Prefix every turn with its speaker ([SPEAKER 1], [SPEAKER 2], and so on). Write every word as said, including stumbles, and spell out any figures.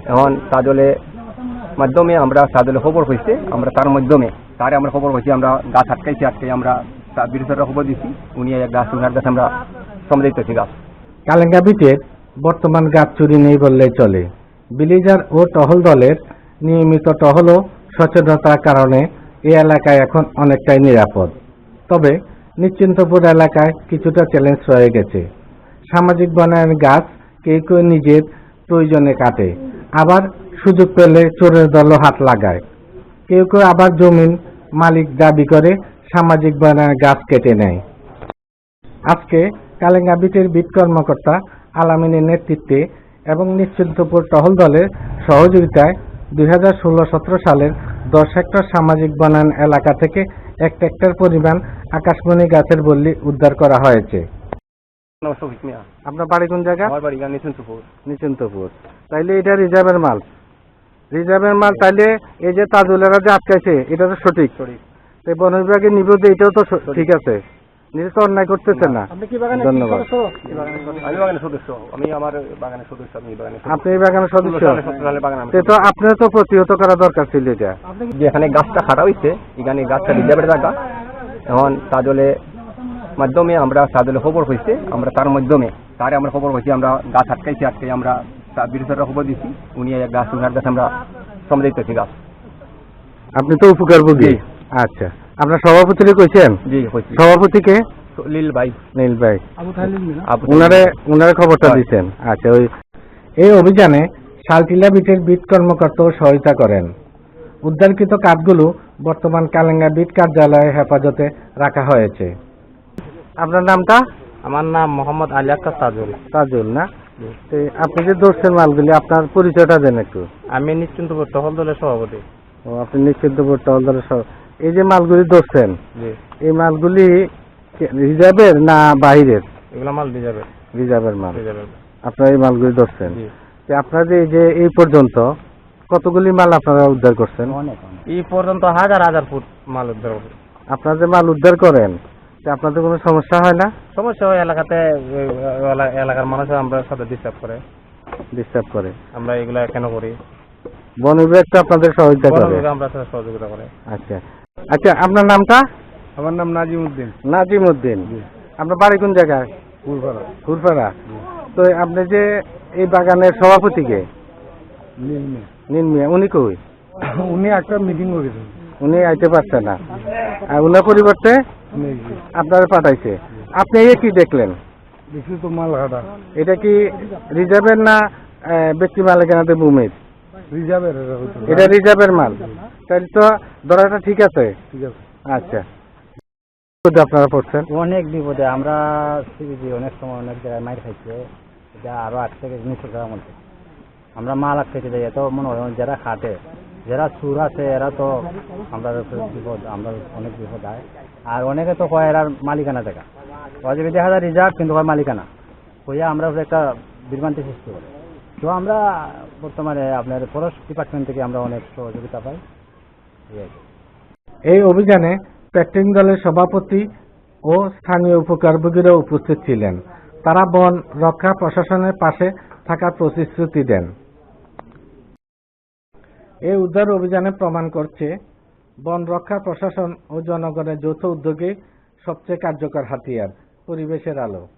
[SPEAKER 1] এখন তাজলে মাধ্যমে আমরা তাজলে খবর হয়েছে, আমরা তার মাধ্যমে তারে আমরা খবর হয়েছি, আমরা গাছ আটকাইছি, আটকাই আমরা তার বিরুদ্ধে খবর দিচ্ছি, উনি এক গাছ উনার গাছ আমরা সমৃদ্ধছি গাছ।
[SPEAKER 2] কালেঙ্গা বিটের বর্তমান গাছ চুরি নেই বললেই চলে। বিলিজার ও টহল দলের নিয়মিত টহল ও সচেতনতার কারণে এই এলাকায় এখন অনেকটাই নিরাপদ। তবে নিশ্চিন্তপুর এলাকায় কিছুটা চ্যালেঞ্জ রয়ে গেছে। সামাজিক বনায়ন গাছ কেউ কেউ নিজের প্রয়োজনে কাটে, আবার সুযোগ পেলে চোরের দলও হাত লাগায়। কেউ কেউ আবার জমির মালিক দাবি করে সামাজিক বনায়ন গাছ কেটে নেয়। আজকে কালেঙ্গা বিটের বিট কর্মকর্তা আলামিনের নেতৃত্বে এবং নিশ্চিন্তপুর টহল দলের সহযোগিতায় দুই হাজার ষোলো সতেরো সালের দশ হেক্টর সামাজিক বনায়ন এলাকা থেকে এক হেক্টর পরিমাণ আকাশমণি গাছের বল্লি উদ্ধার করা হয়েছে। আপনার বাড়ি কোন জায়গা?
[SPEAKER 1] নিশ্চিন্তপুর।
[SPEAKER 2] নিশ্চিন্তপুর। তাইলে এটা রিজার্ভের মাল, রিজার্ভের মাল। তাইলে এই যে তাজুলেরা যে আটকাইছে এটা তো সঠিক সঠিক বন বিভাগে নিব যে এটাও তো ঠিক আছে, নিজে তো অন্যায় করতেছে না। ধন্যবাদ। আপনি এই বাগানের সদস্য, তো আপনার তো প্রতিহত করা দরকার ছিল এটা।
[SPEAKER 1] যেখানে গাছটা কাটা হয়েছে এখানে গাছটা রিজার্ভের জায়গা, এখন তাজলে মাধ্যমে আমরা তাজলে খবর হয়েছে, আমরা তার মাধ্যমে তারে আমরা খবর হয়েছি, আমরা গাছ আটকাইছি, আটকাই আমরা তার বিরুদ্ধে খবর দিচ্ছি, উনি এক গাছ উনার গাছ আমরা সমৃদ্ধছি গাছ।
[SPEAKER 2] আপনি তো উপকারভোগী। আচ্ছা, আপনার সভাপতি কইছেন?
[SPEAKER 1] জি,
[SPEAKER 2] সভাপতিকে
[SPEAKER 1] নীল ভাই।
[SPEAKER 2] নীল ভাই উনারে উনারে খবরটা দিচ্ছেন। আচ্ছা, ওই এই অভিযানে শালটিলা বিটের বিট কর্মকর্তাও সহায়তা করেন। উদ্ধারকৃত কাঠগুলো বর্তমান কালেঙ্গা বিট কার্যালয়ে হেফাজতে রাখা হয়েছে। আপনার নামটা?
[SPEAKER 3] আমার নাম মোহাম্মদ আলী আক্তার তাজুল।
[SPEAKER 2] তাজুল না? আপনি যে ধরছেন মালগুলি, আপনার পরিচয়টা দেন একটু।
[SPEAKER 3] আমি নিশ্চিন্তপুর টহল দলের সভাপতি।
[SPEAKER 2] ও, আপনি নিশ্চিন্তপুর টহল দলের সভাপতি। এই যে মালগুলি ধরছেন, এই মালগুলি রিজার্ভের না বাহিরের?
[SPEAKER 3] এগুলো মাল রিজার্ভের।
[SPEAKER 2] রিজার্ভের মাল। আপনারা এই মালগুলি ধরছেন। আপনারা এই যে এই পর্যন্ত কতগুলি মাল আপনারা উদ্ধার করছেন?
[SPEAKER 3] এই পর্যন্ত হাজার হাজার ফুট মাল উদ্ধার করছেন।
[SPEAKER 2] আপনারা যে মাল উদ্ধার করেন আপনাদের কোনো সমস্যা হয় না?
[SPEAKER 3] সমস্যা হয়, এলাকাতে এলাকার মানুষ আমরা সাথে ডিস্টার্ব করে
[SPEAKER 2] ডিস্টার্ব করে
[SPEAKER 3] আমরা এগুলা কেন করি?
[SPEAKER 2] বন বিভাগ তো আপনাদের সহযোগিতা করে?
[SPEAKER 3] আমরা সহযোগিতা করে।
[SPEAKER 2] আচ্ছা আচ্ছা, আপনার নামটা?
[SPEAKER 4] আমার নাম নাজিম উদ্দিন।
[SPEAKER 2] নাজিম উদ্দিন। আপনার বাড়ি কোন জায়গায়?
[SPEAKER 4] ফুরফাড়া।
[SPEAKER 2] ফুরফাড়া। তো আপনি যে এই বাগানের সভাপতিকে?
[SPEAKER 4] নীল মিয়া।
[SPEAKER 2] নীল মিয়া, উনি কই?
[SPEAKER 4] উনি একটা মিটিং করেছেন,
[SPEAKER 2] উনি আইতে পারছে না, আর উনার পরিবর্তে আপনারা পাঠাইছে। আপনি এই কি দেখলেন?
[SPEAKER 4] দেখছি তো মাল কাটা।
[SPEAKER 2] এটা কি রিজার্ভের না ব্যক্তি মালিকানাতে ভূমির?
[SPEAKER 4] রিজার্ভের।
[SPEAKER 2] এটা রিজার্ভের মাল, তাহলে তো ধরাটা ঠিক আছে।
[SPEAKER 4] ঠিক আছে।
[SPEAKER 2] আচ্ছা, আপনারা পড়ছেন?
[SPEAKER 3] অনেক বিপদে আমরা অনেক সময় অনেক জায়গায় মাইর খাইছে, এটা আরো আট থেকে নিচে যাওয়ার মধ্যে আমরা মাল আটকাইতে যাই। এত মনে হয় যারা খাটে, যারা চুর আছে এরা তো আমরা বিপদ, আমরা অনেক বিপদ হয়। আর অনেকে তো কয় এরা মালিকানা দেখা, যদি দেখা যায় রিজার্ভ কিন্তু হয় মালিকানা হইয়া আমরা একটা বিভ্রান্তি সৃষ্টি করি। তো আমরা বর্তমানে আপনার ফরেস্ট ডিপার্টমেন্ট থেকে আমরা অনেক সহযোগিতা পাই।
[SPEAKER 2] এই অভিযানে প্যাক্টিং দলের সভাপতি ও স্থানীয় উপকারভোগীরা উপস্থিত ছিলেন। তারা বন রক্ষা প্রশাসনের পাশে থাকার প্রতিশ্রুতি দেন। এই উদ্ধার অভিযানে প্রমাণ করছে বন রক্ষা প্রশাসন ও জনগণের যৌথ উদ্যোগে সবচেয়ে কার্যকর হাতিয়ার পরিবেশের আলো।